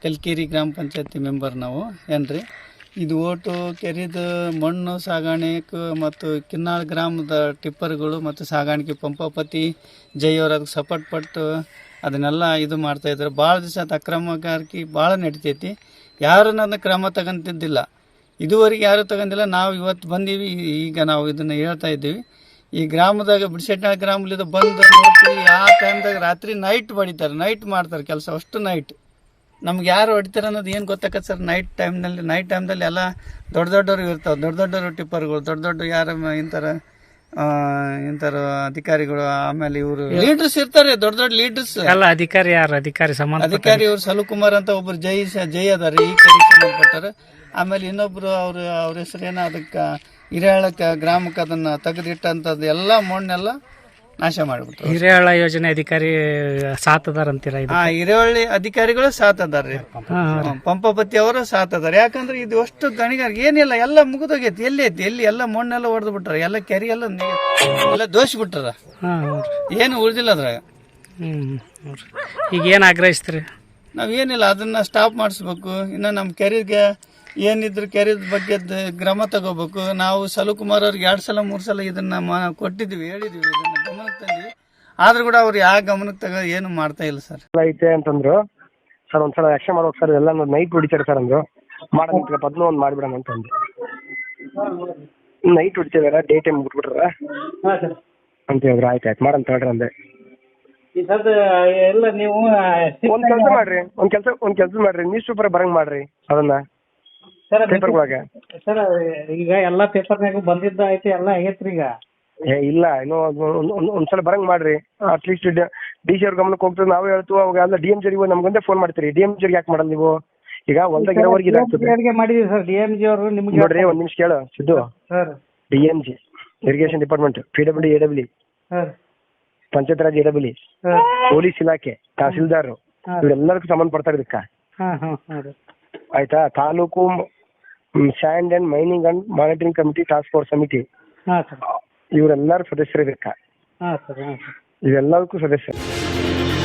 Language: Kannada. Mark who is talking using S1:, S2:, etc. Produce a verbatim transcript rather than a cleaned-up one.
S1: ಕಲ್ಕೇರಿ ಗ್ರಾಮ ಪಂಚಾಯತಿ ಮೆಂಬರ್ ನಾವು ಏನ್ರಿ. ಇದು ಓಟು ಕೆರೆದು ಮಣ್ಣು ಸಾಗಾಣಿಕೆ ಮತ್ತು ಕಿನ್ನಾಳ್ ಗ್ರಾಮದ ಟಿಪ್ಪರ್ಗಳು ಮತ್ತು ಸಾಗಾಣಿಕೆ ಪಂಪಾಪತಿ ಜೈ ಅವ್ರು ಅದಕ್ಕೆ ಸಪೋರ್ಟ್ ಪಟ್ಟು ಅದನ್ನೆಲ್ಲ ಇದು ಮಾಡ್ತಾಯಿದ್ರು. ಭಾಳ ದಿವಸ ಅದು ಅಕ್ರಮಗಾರಿಕೆ ಭಾಳ ನಡಿತೈತಿ. ಯಾರು ನನ್ನ ಕ್ರಮ ತಗೊಂತಿದ್ದಿಲ್ಲ, ಇದುವರೆಗೆ ಯಾರು ತಗೊಂಡಿಲ್ಲ. ನಾವು ಇವತ್ತು ಬಂದೀವಿ, ಈಗ ನಾವು ಇದನ್ನು ಹೇಳ್ತಾ ಇದ್ದೀವಿ. ಈ ಗ್ರಾಮದಾಗ ಬಿಡಿಸೆಟ್ನಾಳ್ ಗ್ರಾಮಲಿಂದ ಬಂದು ನೋಡ್ತೀವಿ, ಆ ಟೈಮ್ದಾಗ ರಾತ್ರಿ ನೈಟ್ ಹೊಡಿತಾರೆ, ನೈಟ್ ಮಾಡ್ತಾರೆ ಕೆಲಸ, ಅಷ್ಟು ನೈಟ್. ನಮ್ಗೆ ಯಾರು ಹೊಡಿತಾರೆ ಅನ್ನೋದು ಏನು ಗೊತ್ತಾಗತ್ತೆ ಸರ್. ನೈಟ್ ಟೈಮ್ನಲ್ಲಿ ನೈಟ್ ಟೈಮ್ದಲ್ಲಿ ಎಲ್ಲ ದೊಡ್ಡ ದೊಡ್ಡವರು ಇರ್ತಾವೆ, ದೊಡ್ಡ ದೊಡ್ಡವರು ಟಿಪ್ಪರ್ಗಳು, ದೊಡ್ಡ ದೊಡ್ಡ ಯಾರು ಇಂಥರ ಇಂಥರ ಅಧಿಕಾರಿಗಳು, ಆಮೇಲೆ ಇವರು ಲೀಡರ್ಸ್ ಇರ್ತಾರೆ, ದೊಡ್ಡ ದೊಡ್ಡ ಲೀಡರ್ಸ್
S2: ಎಲ್ಲ. ಅಧಿಕಾರಿ ಯಾರು ಅಧಿಕಾರಿ ಸಂಬಂಧ
S1: ಅಧಿಕಾರಿ ಇವ್ರು ಸಲುಕುಮಾರ್ ಅಂತ ಒಬ್ರು ಜೈ ಜೈ ಅದಾರ, ಈ ಕಡೆ ಸಂಬಂಧಪಟ್ಟಾರೆ. ಆಮೇಲೆ ಇನ್ನೊಬ್ರು ಅವ್ರು ಅವ್ರ ಹೆಸರೇನ ಅದಕ್ಕೆ ಹಿರೇಹಳ್ಳಕ್ಕೆ ಗ್ರಾಮಕ್ಕೆ ಅದನ್ನ ತೆಗೆದಿಟ್ಟಂಥದ್ದು ಎಲ್ಲ ಮಣ್ಣೆಲ್ಲ ನಾಶ ಮಾಡಿಬಿಟ್ರು.
S2: ಹಿರೇಹಳ್ಳ ಯೋಜನೆ ಅಧಿಕಾರಿ ಸಾತ್ ಅದಾರ ಅಂತೀರ?
S1: ಆ ಹಿರೇಹಳ್ಳಿ ಅಧಿಕಾರಿಗಳು ಸಾತ್ ಅದಾರ್ರಿ, ಪಂಪಾಪತಿ ಅವರು ಸಾತ್ ಅದಾರ. ಯಾಕಂದ್ರೆ ಇದು ಅಷ್ಟು ಗಣಿಗಾರ ಏನಿಲ್ಲ, ಎಲ್ಲ ಮುಗಿದೋಗೈತಿ. ಎಲ್ಲಿ ಐತಿ ಎಲ್ಲಿ ಎಲ್ಲ ಮಣ್ಣೆಲ್ಲ ಹೊಡೆದು ಬಿಟ್ಟಾರ, ಎಲ್ಲ ಕೆರೆ ಎಲ್ಲ ಎಲ್ಲ ದೋಷ ಬಿಟ್ಟಾರ, ಏನು ಉಳಿದಿಲ್ಲ ಅದ್ರಾಗ.
S2: ಹ್ಮ್ ಈಗ ಏನ್ ಆಗ್ರಹಿಸ್ತೀರಿ?
S1: ನಾವೇನಿಲ್ಲ, ಅದನ್ನ ಸ್ಟಾಪ್ ಮಾಡಿಸ್ಬೇಕು. ಇನ್ನು ನಮ್ಮ ಕೆರೆಗೆ ಏನಿದ್ರು ಕೆರೆದ ಬಗ್ಗೆ ಕ್ರಮ ತಗೋಬೇಕು. ನಾವು ಸಲುಕುಮಾರ್ ಅವ್ರಿಗೆ ಎರಡು ಸಲ ಮೂರು ಸಲ ಇದನ್ನ ಕೊಟ್ಟಿದ್ವಿ, ಹೇಳಿದ್ವಿ, ಇದನ್ನ ಗಮನಕ್ಕೆ ತಂದ್ವಿ. ಆದ್ರೂ ಕೂಡ ಅವ್ರು ಯಾವ ಗಮನಕ್ಕೆ ತಗೋ ಏನು ಮಾಡ್ತಾ ಇಲ್ಲ ಸರ್.
S3: ಐತೆ ಅಂತಂದ್ರು ಸರ್, ಒಂದ್ಸಲ ಆಕ್ಷನ್ ಮಾಡ್ಬೇಕು ಸರ್, ಎಲ್ಲ ನೈಟ್ ಹೊಡಿತಾರೆ ಸರ್ ಅಂದ್ರು. ಮಾಡೋಣ ಪದ್ನು ಒಂದು ಮಾಡ್ಬಿಡೋಣ ಅಂತ ಅಂದೆ. ನೈಟ್ ಹೊಡಿತಿದಾರ, ಡೇ ಟೈಮ್ ಬಿಟ್ಬಿಟ್ರ ಅಂತ ಹೇಳಿದ್ರು. ಆಯ್ತು ಆಯ್ತು ಮಾಡಂತ ಹೇಳ್ರಿ ಅಂದೆ.
S2: ನೀವು
S3: ಒಂದ್ ಕೆಲಸ ಮಾಡ್ರಿ, ಒಂದ್ ಕೆಲಸ ಒಂದ್ ಕೆಲಸ ಮಾಡ್ರಿ, ನ್ಯೂಸ್ ಪೇಪರ್ ಬರಂಗ್ ಮಾಡ್ರಿ ಅದನ್ನ ಪೇಪರ್ಗಳಾಗ.
S2: ಸರ್ ಈಗ ಎಲ್ಲಾ ಪೇಪರ್ನಾಗ ಬಂದಿದ್ದ ಐತಿ, ಎಲ್ಲ ಆಗೈತ್ರಿ ಈಗ.
S3: ಏ ಇಲ್ಲ, ಇನ್ನೂ ಒಂದ್ಸಲ ಬರಂಗ್ ಮಾಡ್ರಿ. ಅಟ್ಲೀಸ್ಟ್ ಡಿ ಸಿ ಅವ್ರ ಗಮನಕ್ಕೆ ಹೋಗ್ತದೆ. ನಾವು ಹೇಳ್ತೀವಿ ಅವಾಗ ಎಲ್ಲ ಡಿ ಎಂ ಜಿಗೆ ನಮ್ಗೊಂದೇ ಫೋನ್ ಮಾಡ್ತೀರಿ. ಡಿ ಎಂ ಜಿಗೆ ಯಾಕೆ ಮಾಡಲ್ಲ ನೀವು? ಈಗ ಹೊಲ್ದಾಗ ಇರೋವರೆಗೆ ಇದಾಗ್ತದೆ.
S2: ಮಾಡಿದೀವಿ ಸರ್ ಡಿ ಎಂ ಜಿ ಅವರು. ನಿಮ್ಗೆ
S3: ನೋಡ್ರಿ ಒಂದ್ ನಿಮಿಷ ಕೇಳು Siddu. D M G, irrigation department, P W A W, panchayat raj A W, police ಇಲಾಖೆ, ತಹಸೀಲ್ದಾರ್, ಇವರೆಲ್ಲರಿಗೂ ಸಂಬಂಧಪಡ್ತಾರೆ ಇದಕ್ಕ. ಆಯ್ತಾ? Taluk sand and mining and monitoring committee, task force ಸಮಿತಿ, ಇವರೆಲ್ಲರೂ ಸದಸ್ಯರು ಇದಕ್ಕ. ಇವೆಲ್ಲದಕ್ಕೂ ಸದಸ್ಯರು.